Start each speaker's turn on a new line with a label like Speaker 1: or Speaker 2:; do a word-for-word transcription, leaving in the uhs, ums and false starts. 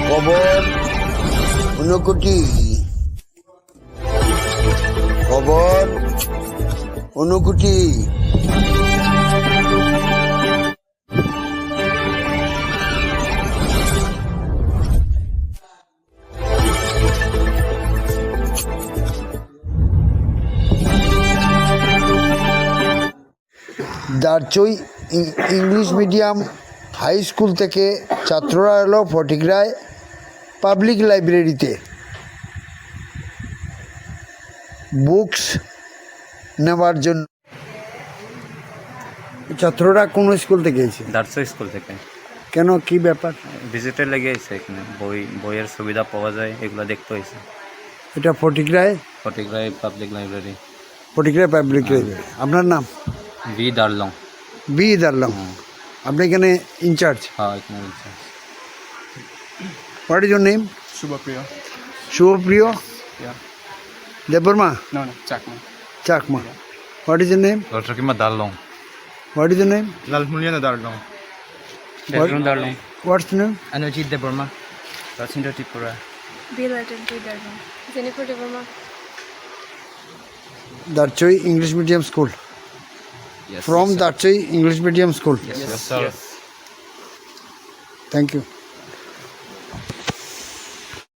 Speaker 1: খবর ঊনকোটি, খবর Unakoti. Darchai English medium high school থেকে ছাত্ররা এলো ফটিকরায় পাবলিক লাইব্রেরিতে বুকস নেওয়ার জন্য। ছাত্ররা কোন স্কুল থেকে এসেছে?
Speaker 2: দারচই স্কুল থেকে।
Speaker 1: কেন, কি ব্যাপার?
Speaker 2: ভিজিটার লেগে এসে এখানে বই বইয়ের সুবিধা পাওয়া যায়, এগুলো দেখতে হয়েছে।
Speaker 1: এটা Fatikroy
Speaker 2: Fatikroy public library.
Speaker 1: Fatikroy public library. আপনার নাম?
Speaker 2: ভি দারলং।
Speaker 1: বি দারলং। আপনি এখানে ইনচার্জ?
Speaker 2: হ্যাঁ, এখানে in charge.
Speaker 1: What is your name?
Speaker 3: Subhapriya.
Speaker 1: Subhapriya
Speaker 3: Yeah.
Speaker 1: Debbarma?
Speaker 3: No, no, Chakma.
Speaker 1: Chakma. What is your name?
Speaker 2: Doctor Kima Darlong.
Speaker 1: What is your name?
Speaker 3: Lalmuliana Darlong.
Speaker 2: Doctor Darlong.
Speaker 1: What's name?
Speaker 2: Anujit Deborma। Rachinda Tripura।
Speaker 4: Bilateral Darma. Jennifer Deborma.
Speaker 1: Darchoi English medium school.
Speaker 2: Yes.
Speaker 1: From Darchoi English Medium School.
Speaker 2: Yes, yes, sir.
Speaker 1: Thank you.